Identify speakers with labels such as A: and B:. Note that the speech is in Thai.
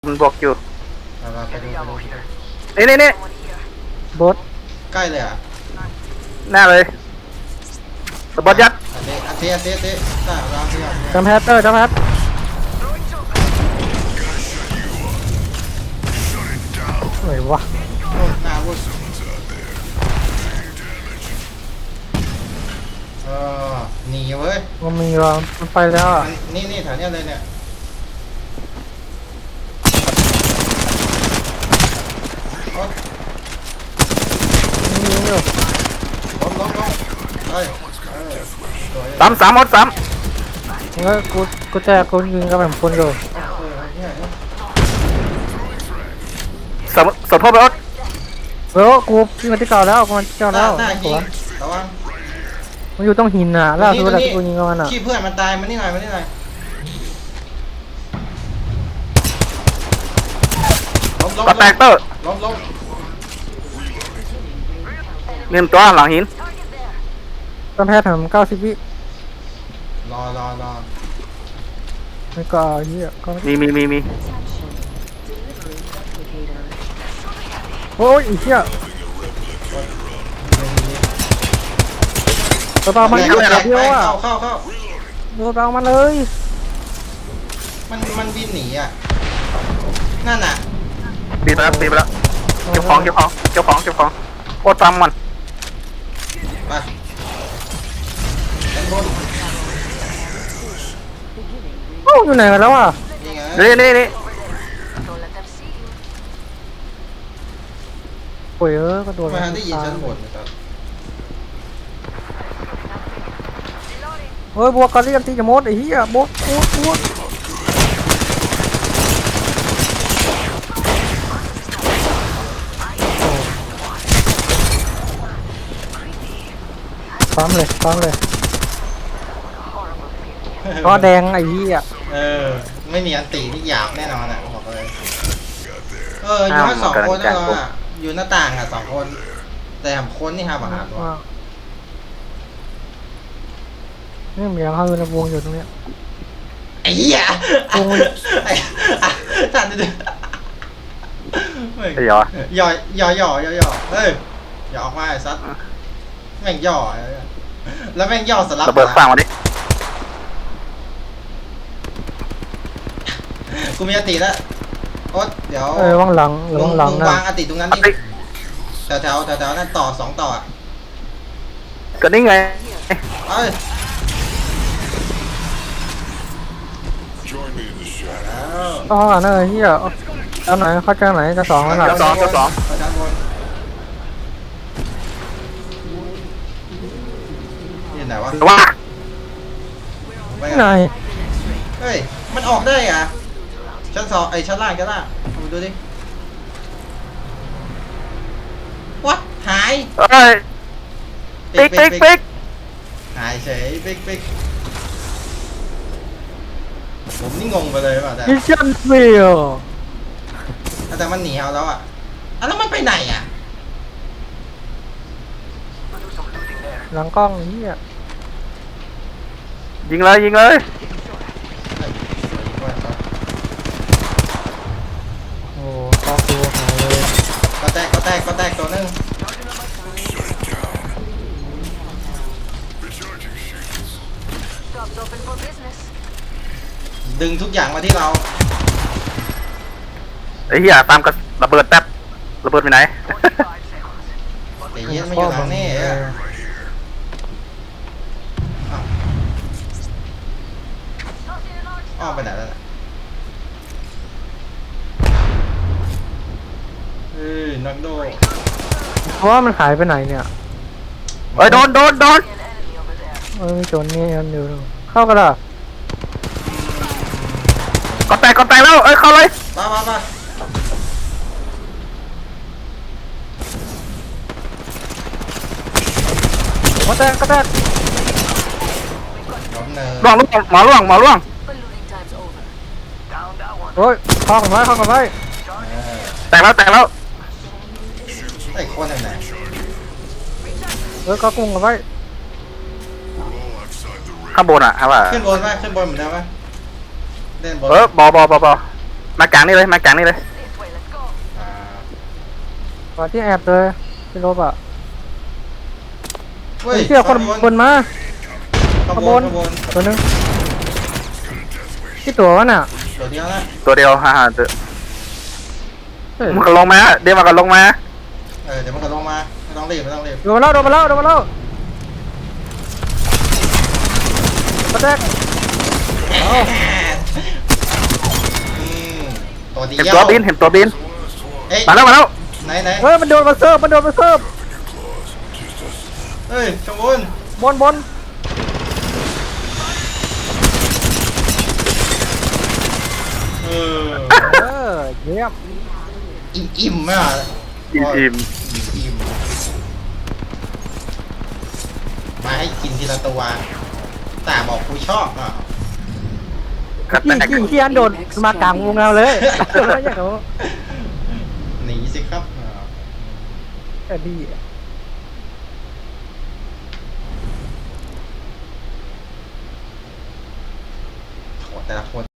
A: มันบอกอยู่
B: มาไปดู
A: นี่
C: บอส
B: ใกล้เลยอ่ะ
A: หน้าเลยสปอร์ตยัด
B: อันเทได้เราเทียบ
C: จำแพทเตอร์จำแพทไหนวะ
B: หน้าวุ้นหนีเว้ย
C: มันมีวะมันไปแล้วอ่ะ
B: นี่แถวเนี้ยเลยเนี่ย
C: มีอยู่
B: ล้มเฮ้ย
A: สามหมดสาม
C: แล้วกูแจกกูยิงกับแบบคนเลย
A: สดพ่อไปอด
C: เออกูยิงมาที่เก่าแล้วกูมาที่เก่าแล้ว
B: หน้ายิงระวัง
C: มันอยู่ต้องหินอ่ะล่าสุดแล้วกูยิงกับมันอ่ะ
B: ขี้เพื่อนมันตายมันนี่หน่อยล้ม
A: ก็แตกเตอร์
B: ล้ม
A: เนียมตัวหลังหิน
C: จำแพททำ90 วิ
B: รอ
C: ไม่ก็เฮียก็
A: มี
C: โอ้ยอีเหี้ยตัวต่อมันเดียวอ่ะ
B: เข้า
C: ตัวต่อมันเลย
B: มันบินหนีอ่ะนั่นน่ะ
A: ปีไปแล้วเก็บของโคตรตามมัน
B: ไปด้านบน
C: โอ้อยู่ไหนกันแล้วอ่ะ
A: นี่
C: โอ้ยก็โดน
B: มาได้ยินชั้นบนนะครับ
C: เฮ้ยบวกกันเรียกตีจะมดไอ้เหี้ยบวกซ้ำเลยก็แดงไอ้เหี้ย
B: ไม่มีอันตีที่หยาบแน่นอนอ่ะบอกเลยอยู่แค่2 คนนะเราอ่ะอยู่หน้าต่างอ่ะ2 คนแต่คนนี่ฮะบังอาจวะ
C: นี่เหมียวเขาอยู่ในวงอยู่ตรงเนี้ย
B: ไอ้เหี้ยท่านดู
A: ย่อ
B: เฮ้ยย่อออกมาไอ้ซัดแม่งย่อแล้วแม่งย่อสลับ
A: ระเบิดฟังมาดิ
B: กูมีอติแล้วโอ๊ตเดี๋ยว
C: ว่างหลัง
B: นะวางอติตรงนั้นดิแถวนั่นต่อ2 ต่อ
A: ก็นี่ไง
C: อ๋อนั่นไอ้เหี้ยเอาไหนเข้าใจไหนจะ2แล้วหรอ
A: จะสอง
B: นี่ไหนวะ
C: ไหน
B: เฮ้ยมันออกได้อ่ะชั้น2ชั้นล่างดูดิวัดหาย
A: ปิ๊ก
B: หายเฉยปิ๊กผมนี่งงไปเลยว่ะ
C: มิชชั่นเฟล
B: แต่มันหนีเอาแล้วอ่ะแล้วมันไปไหนอ่ะ
C: หลังกล้องนี่อ่ะ
A: ยิงเลย
C: โอ้ก็ตัวหายเลย
B: ก็แตกตัวนึงดึงทุกอย่างมาที่เรา
A: ไอ้เหี้ยตามกับระเบิดแป๊บระเบิดไปไหน
B: เดี๋ยวเย็นไม่อยู่หลังนี่อ้อมไปไหนแล้วนักโด
C: เพราะว่ามันหายไปไหนเนี่ย
A: โดน
C: มีโจรนี่อันเดียวเข้ากันละ
A: ก็แตกแล้วเข้าเลย
B: มา
C: ก็แตก
A: ล่วง
C: โอ้ยเข้ากันไว้
A: แตกแล้ว
B: ไอ้คนไหน
C: ก็กุ้งกันไว้
A: ข้างบนอ่ะครับว่า
B: ขึ้นบนเหมือนเดิมไหมเล่นบน
A: บอมากลางนี่เลยมากลางนี่เลย
B: อ่า
C: ก่อนที่แอบเลยพี่ลบอ่ะ
B: เฮ้ย
C: เชี่ยคนบนมา
B: ขบวน
C: ตัวนึงที่ตัววะน่ะ
B: ตัวเดียวนะ
A: ตัวเดียวฮ่าๆเดี๋ยว
C: เฮ้ย
A: มันก็ลงมาเดี๋ยวมันก็ลงมา
B: เดี๋ยวมันก็ลงมาไม่ต้องรีบไม่ต้องรีบ
C: โดนมาแล้วโดนมาแล้วโดนมาแล้วกระแทก
B: อืมตัวเดียว
A: เห็นตัวบินเห็นตัวบิน
B: เอ้ย
A: มาแล้วมาแล้ว
B: ไหน
C: เฮ้ยมันโดนมาเสิร์ฟมันโดนมาเสิร์ฟ
B: เฮ้ยขบวน
C: บน
B: เออ
C: เออเยี่ยม
B: อิ่มไหมอ่ะ
A: อิ่ม
B: อิ่มมาให้กินทีละตัวแต่บอกกูชอบอ่ะ
A: กระแตก
C: กี่อันโดดมากลางวงเราเลยแล้วอย่างเขา
B: หนีสิครับ
C: แต่ดีอะ
B: โหแต่ละคน